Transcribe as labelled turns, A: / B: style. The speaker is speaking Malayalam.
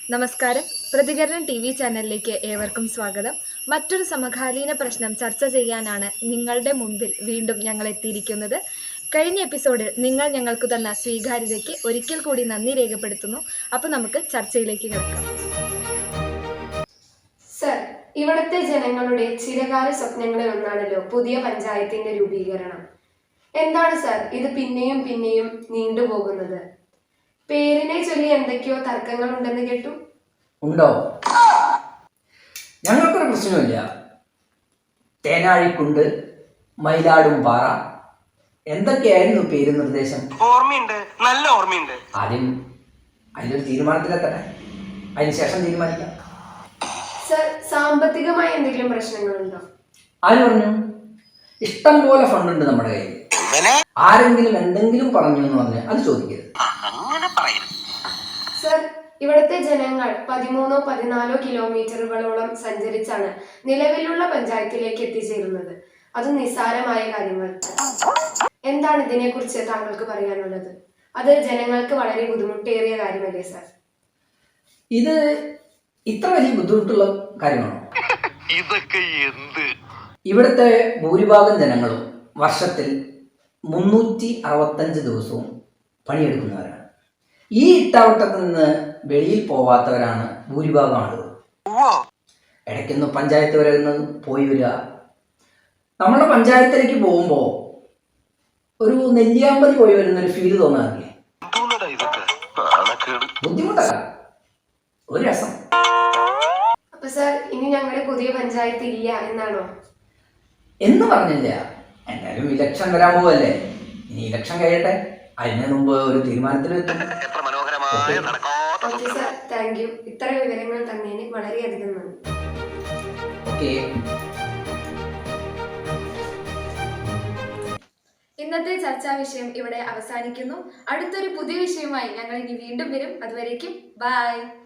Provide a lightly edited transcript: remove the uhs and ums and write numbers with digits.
A: നമസ്കാരം. പ്രതികരണം ടി വി ചാനലിലേക്ക് ഏവർക്കും സ്വാഗതം. മറ്റൊരു സമകാലീന പ്രശ്നം ചർച്ച ചെയ്യാനാണ് നിങ്ങളുടെ മുമ്പിൽ വീണ്ടും ഞങ്ങൾ എത്തിയിരിക്കുന്നത്. കഴിഞ്ഞ എപ്പിസോഡിൽ നിങ്ങൾ ഞങ്ങൾക്ക് തന്ന സ്വീകാര്യതയ്ക്ക് ഒരിക്കൽ കൂടി നന്ദി രേഖപ്പെടുത്തുന്നു. അപ്പോൾ നമുക്ക് ചർച്ചയിലേക്ക് കിടക്കാം.
B: സർ, ഇവിടുത്തെ ജനങ്ങളുടെ ചിരകാല സ്വപ്നങ്ങളിൽ ഒന്നാണല്ലോ പുതിയ പഞ്ചായത്തിന്റെ രൂപീകരണം. എന്താണ് സർ ഇത് പിന്നെയും പിന്നെയും നീണ്ടുപോകുന്നത്? പേരിനെ ചൊല്ലി എന്തൊക്കെയോ തർക്കങ്ങൾ ഉണ്ടെന്ന് കേട്ടു.
C: ഉണ്ടോ? ഞങ്ങൾക്കൊരു പ്രശ്നമില്ല. തേനാഴിക്കുണ്ട്, മയിലാടും പാറ, എന്തൊക്കെയായിരുന്നു പേര് നിർദ്ദേശം?
D: ഓർമ്മയുണ്ട്, നല്ല ഓർമ്മയുണ്ട്.
C: ആദ്യം അതിലൊരു തീരുമാനത്തിലെത്തട്ടെ, അതിനുശേഷം തീരുമാനിക്കാം.
B: സർ, സാമ്പത്തികമായ എന്തെങ്കിലും പ്രശ്നങ്ങളുണ്ടോ?
C: ആര് പറഞ്ഞു? ഇഷ്ടം പോലെ ഫണ്ടുണ്ട് നമ്മുടെ കയ്യിൽ. ആരെങ്കിലും എന്തെങ്കിലും പറഞ്ഞു എന്ന് പറഞ്ഞാൽ അത് ചോദിക്കരുത്.
B: സർ, ഇവിടുത്തെ ജനങ്ങൾ 13-14 കിലോമീറ്ററുകളോളം സഞ്ചരിച്ചാണ് നിലവിലുള്ള പഞ്ചായത്തിലേക്ക് എത്തിച്ചേരുന്നത്. അത് നിസ്സാരമായ കാര്യങ്ങൾ. എന്താണ് ഇതിനെക്കുറിച്ച് താങ്കൾക്ക് പറയാനുള്ളത്? അത് ജനങ്ങൾക്ക് വളരെ ബുദ്ധിമുട്ടേറിയ കാര്യമല്ലേ സർ?
C: ഇത് ഇത്ര വലിയ ബുദ്ധിമുട്ടുള്ള കാര്യമാണോ?
D: ഇതൊക്കെ എന്ത്?
C: ഇവിടുത്തെ ഭൂരിഭാഗം ജനങ്ങളും വർഷത്തിൽ 365 ദിവസവും പണിയെടുക്കുന്നവരാണ്. ഈ ഇട്ടാവട്ടത്തിൽ നിന്ന് വെളിയിൽ പോവാത്തവരാണ് ഭൂരിഭാഗം ആളുകൾ. ഇടയ്ക്കൊന്ന് പഞ്ചായത്ത് വരെ ഒന്ന് പോയി വരിക. നമ്മുടെ പഞ്ചായത്തിലേക്ക് പോകുമ്പോൾ ഒരു നെല്ലിയാമ്പതി പോയി വരുന്നൊരു ഫീല് തോന്നാറില്ലേ? ബുദ്ധിമുട്ടല്ല, ഒരു രസം.
B: അപ്പൊ സർ, ഇനി ഞങ്ങളുടെ പുതിയ പഞ്ചായത്ത് ഇല്ല എന്നാണോ?
C: എന്ന് പറഞ്ഞില്ല. എന്തായാലും ഇലക്ഷൻ വരാൻ പോവല്ലേ. ഇനി ഇലക്ഷൻ കഴിയട്ടെ, അതിന് മുമ്പ് ഒരു തീരുമാനത്തിലെത്തും.
B: Okay sir, thank you. ഇത്ര വിവരങ്ങൾ തന്നതിന് വളരെയധികം നന്ദി.
C: ഓക്കെ.
A: ഇന്നത്തെ ചർച്ചാ വിഷയം ഇവിടെ അവസാനിക്കുന്നു. അടുത്തൊരു പുതിയ വിഷയവുമായി ഞങ്ങൾ ഇനി വീണ്ടും വരും. അതുവരേക്കും ബൈ.